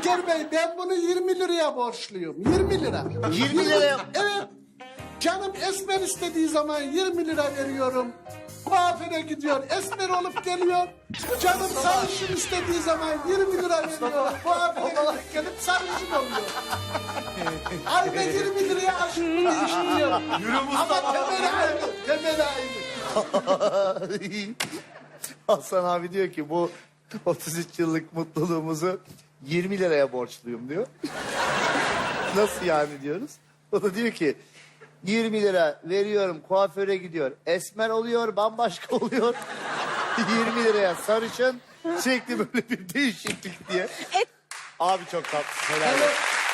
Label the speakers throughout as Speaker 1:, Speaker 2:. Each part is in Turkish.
Speaker 1: Yaşar Bey ben bunu 20 liraya borçluyum. 20 lira.
Speaker 2: 20 liraya?
Speaker 1: Evet. Canım esmer istediği zaman 20 lira veriyorum. Kuaföre gidiyor, esmer olup geliyor. Canım sarışın istediği zaman 20 lira veriyor. Kuaföre gelip sarışın oluyor. Ayda 20 liraya aşkı değiştiriyor.
Speaker 2: Yürü
Speaker 1: Ama temeli aynı, temeli aynı.
Speaker 2: Hasan abi diyor ki bu 33 yıllık mutluluğumuzu 20 liraya borçluyum diyor. Nasıl yani diyoruz. O da diyor ki 20 lira veriyorum kuaföre gidiyor. Esmer oluyor bambaşka oluyor. 20 liraya sarışın sürekli böyle bir değişiklik diye. Abi çok tatlı. Helal olsun.
Speaker 1: Evet.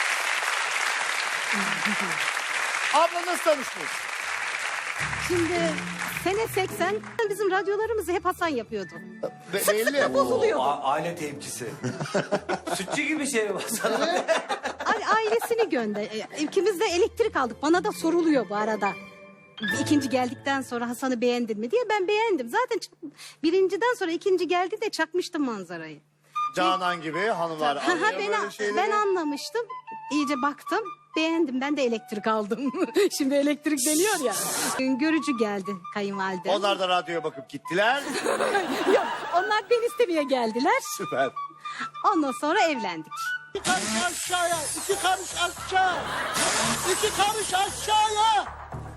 Speaker 2: Abla nasıl tanıştınız?
Speaker 3: Şimdi sene 80 bizim radyolarımızı hep Hasan yapıyordu.
Speaker 2: Belli.
Speaker 3: Bozuluyordu.
Speaker 4: Aile tepkisi. Sütçü gibi şey var sana.
Speaker 3: Ailesini gönder. İkimiz de elektrik aldık. Bana da soruluyor bu arada. İkinci geldikten sonra Hasan'ı beğendin mi diye ben beğendim. Zaten birinciden sonra ikinci geldi de çakmıştım manzarayı.
Speaker 2: Canan gibi hanımlar
Speaker 3: Ha,
Speaker 2: anlıyor
Speaker 3: ben,
Speaker 2: böyle şeyleri.
Speaker 3: ben anlamıştım. İyice baktım. Beğendim. Ben de elektrik aldım. Şimdi elektrik deniyor ya. Görücü geldi kayınvalide.
Speaker 2: Onlar da radyoya bakıp gittiler.
Speaker 3: Yok, onlar beni istemeye geldiler.
Speaker 2: Süper.
Speaker 3: Ondan sonra evlendik.
Speaker 1: 2 karış aşağıya, 2 karış aşağı. 2 karış aşağıya.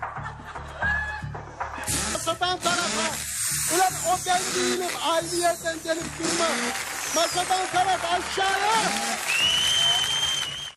Speaker 1: Masadan tarafa. Ulan o ben değilim. Aynı yerden gelip durma. Masadan taraf aşağıya.